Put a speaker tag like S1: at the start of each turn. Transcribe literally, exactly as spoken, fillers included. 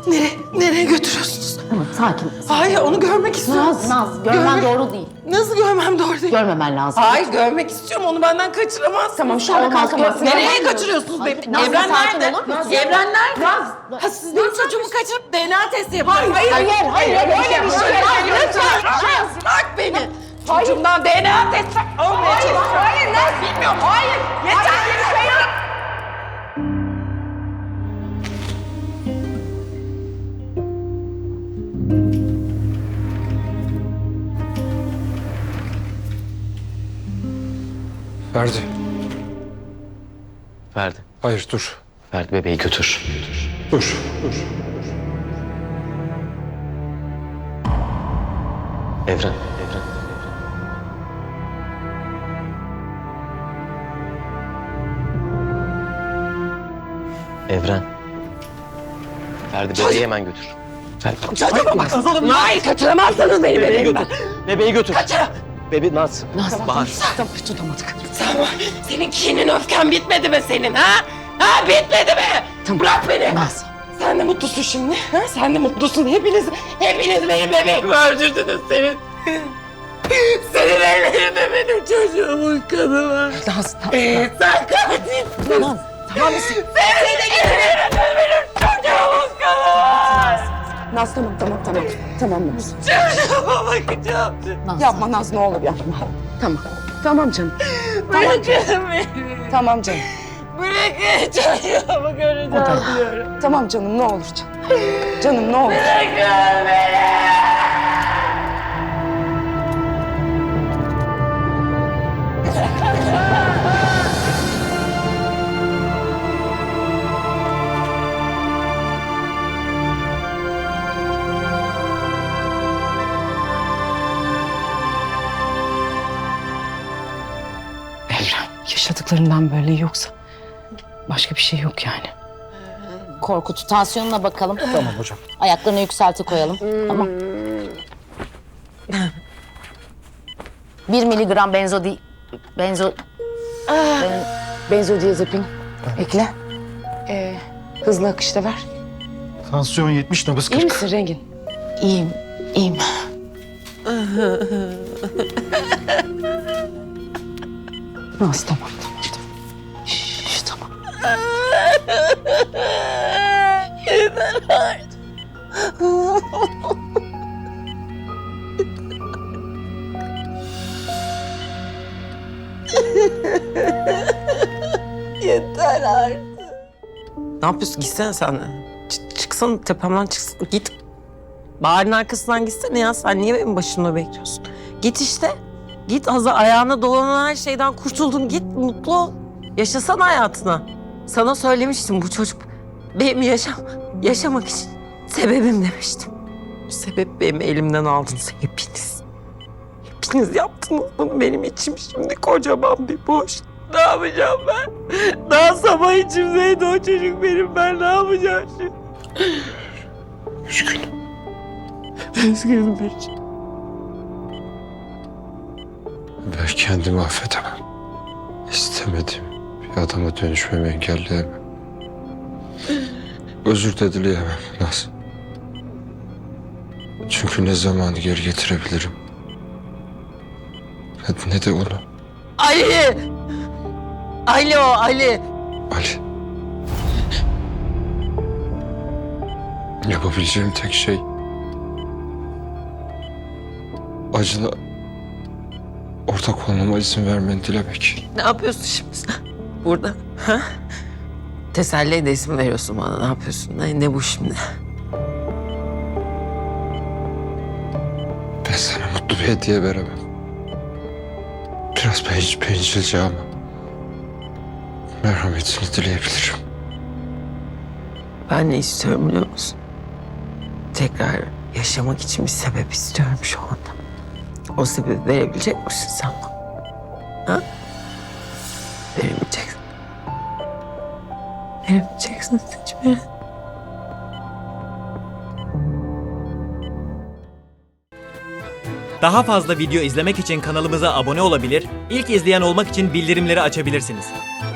S1: Nereye, nereye götürüyorsunuz?
S2: Tamam, sakin.
S1: Hayır, onu görmek istiyorum.
S2: Naz, Naz, görmen
S1: Görmek-
S2: doğru değil.
S1: Nasıl görmem doğru değil?
S2: Görmemen lazım.
S1: Hayır, görmek istiyorum. Onu benden kaçıramazsın.
S2: Tamam, şu anda
S1: Olmaz.
S2: kalkamazsın.
S1: Nereye
S2: Hayır.
S1: kaçırıyorsunuz
S2: Hayır,
S1: beni?
S2: Naz,
S1: Evren
S2: sakin
S1: nerede?
S2: olur musun?
S1: Evren nerede?
S2: Naz.
S1: Ha, siz benim çocuğumu kaçırıp D N A testi yapıyorsunuz.
S2: Hayır, hayır, hayır, öyle bir şey yok.
S1: Hayır, lütfen. Bırak beni. Çocuğumdan D N A testi olmaya çalışıyorum. Hayır, Naz. Bilmiyorum. Hayır. Yeter. Bir şey yok.
S3: Ferdi.
S4: Ferdi.
S3: Hayır dur.
S4: Ferdi bebeği götür. Götür.
S3: Dur. Dur.
S4: Evren. Evren. Evren. Evren. Ferdi bebeği hemen götür. Ferdi.
S1: Çocuğuma bak. Hayır, kaçıramazsınız beni bebeğimden.
S4: Bebeği götür.
S1: Kaçıram.
S4: Bebe Naz.
S2: Naz,
S4: Bahar.
S2: tamam, tutamadık.
S1: Sen var. Senin kinin öfken bitmedi mi senin ha? Ha bitmedi mi?
S2: Tamam.
S1: Bırak beni.
S2: Naz.
S1: Sen de mutlusun şimdi. Ha? Sen de mutlusun. Hepiniz, hepiniz benim bebeğimi öldürdünüz senin. Senin ellerinde benim çocuğumun kanı var.
S2: Naz,
S1: Ee, sen katilsin.
S2: Naz, tamam mısın?
S1: Senin ellerinde benim çocuğumun kanı var.
S2: Naz, tamam, tamam, tamam. Tamam Naz.
S1: Çocuğuma bakacağım.
S2: Naz.
S5: Yapma Naz, ne olur yapma.
S2: Tamam. Tamam canım.
S1: Bırakın beni.
S5: Tamam canım.
S1: Bırakın çocuğumu göreceğim diyorum.
S5: Tamam canım, ne olur canım. Canım ne olur.
S1: Bırakın beni.
S5: Evren, yaşadıklarından böyle yoksa başka bir şey yok yani.
S2: Korkut, tansiyonuna bakalım.
S3: Tamam hocam.
S2: Ayaklarını yükselti koyalım. Tamam. Bir miligram benzo di... Benzo... Ben-
S5: Benzodiazepin ekle. Ee, hızlı akışta ver.
S3: Tansiyon yetmiş, nabız
S5: İyi
S3: kırk.
S5: misin Rengin? İyiyim, iyiyim. Naz tamam, tamam, tamam. Şş, tamam.
S1: Yeter artık. Yeter artık. Ne yapıyorsun? Gitsene sen de. Ç- çıksana tepemden çıksana. Git. Bahar'ın arkasından gitsene ya. Sen niye benim başımda bekliyorsun? Git işte. Git Hazır ayağına dolanan her şeyden kurtuldun. Git mutlu ol. Yaşasana hayatına. Sana söylemiştim bu çocuk benim yaşam, yaşamak için sebebim demiştim. Sebep benim elimden aldınız hepiniz. Hepiniz yaptınız bunu benim içim şimdi kocaman bir boş. Ne yapacağım ben? Daha sabah içimdeydi o çocuk benim. Ben ne yapacağım şimdi?
S3: Üzgünüm.
S1: Üzgünüm bir.
S3: Ben kendimi affedemem. İstemediğim bir adama dönüşmemi engelleyemem. Özür de dileyemem Naz. Çünkü ne zamanı geri getirebilirim. Ne, ne de onu.
S1: Ali! Alo Ali!
S3: Ali. Yapabileceğim tek şey acına ortak olmama izin vermeni dilemek.
S1: Ne yapıyorsun şimdi sen burada? Ha? Teselli de isim veriyorsun bana. Ne yapıyorsun? Ne, ne bu şimdi?
S3: Ben sana mutlu bir hediye veremem. Biraz bencil, bencilce ama merhametini dileyebilirim.
S1: Ben ne istiyorum biliyor musun? Tekrar yaşamak için bir sebep istiyorum şu anda. O sebebi verebilecek misin sen bana? Ha? Veremeyeceksin. Veremeyeceksin hiçbir.
S6: Daha fazla video izlemek için kanalımıza abone olabilir, ilk izleyen olmak için bildirimleri açabilirsiniz.